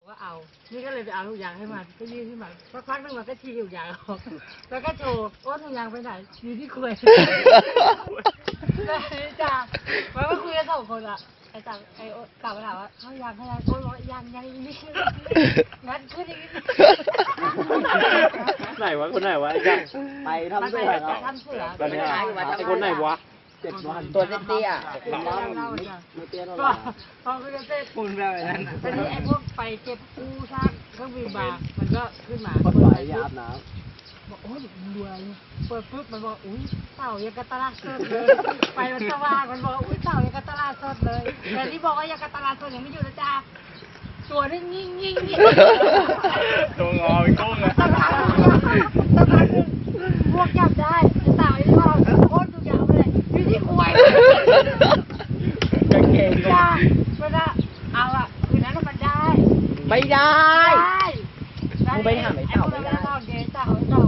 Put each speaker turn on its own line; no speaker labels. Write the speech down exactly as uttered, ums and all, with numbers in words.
ว่าเอานี่ก็เลยไปเอาทุกอย่างให้มันก็ยื่นให้มันสักพักนึงมันก็ชี้ทุกอย่างออกแล้วก็โชว์ว่าทุกอย่างไปไหนอยู่ที่คุยแล้วจ้ามันก็คุยกันสองคนอะไอ้จ่าไอ้กลับมาถามว่าเขายังเขายังโอ้ยยังยังนี่งัดขึ้นอีก
ไหนวะคนไหนวะไอ้จ้า
ไปทำเสือ
ไป
เนาะ
ทำเสือ
ตอนนี้ไอ้คนไหนวะ
เจ็ดวันตัวเตี้ยๆ
เล่า
ไม่เตี้ยเท่าไห
ก็
ร่
พอคือเต้น
คุณแบบนั้น
ตอนนี้ไอ้พวกไปเก็บกู้ซากเครื่องบินมามันก็ขึ้นมา
คนไหลยาบน้
บอกโอ้ยรวยเปิดปุ๊บมันบอกอุ้ยเต่ายังกะตลาดสดเลยไปมันสว่างมันบอกอุ้ยเต่ายังกะตลาดสดเลยแต่ที่บอกว่ายังกะตลาดสดยังไม่อยู่นะจ๊ะตัวนี่งิ่งงิ่งงิ่ง
ตัวงอเป็นกุ้งอะ
สักพักสักพักพวกจับได้เต่าไอ้พวกโคตรดุยาวเลยอยู่ที่ควย
ำกางเกง
จ้าเวลาเอาอะคืนนั้นมันได้
ไม่ได้
ได้
มึงไปหาไอ้เต่าไม่ได้
ไอ้พวกนั้นเต่าเต่า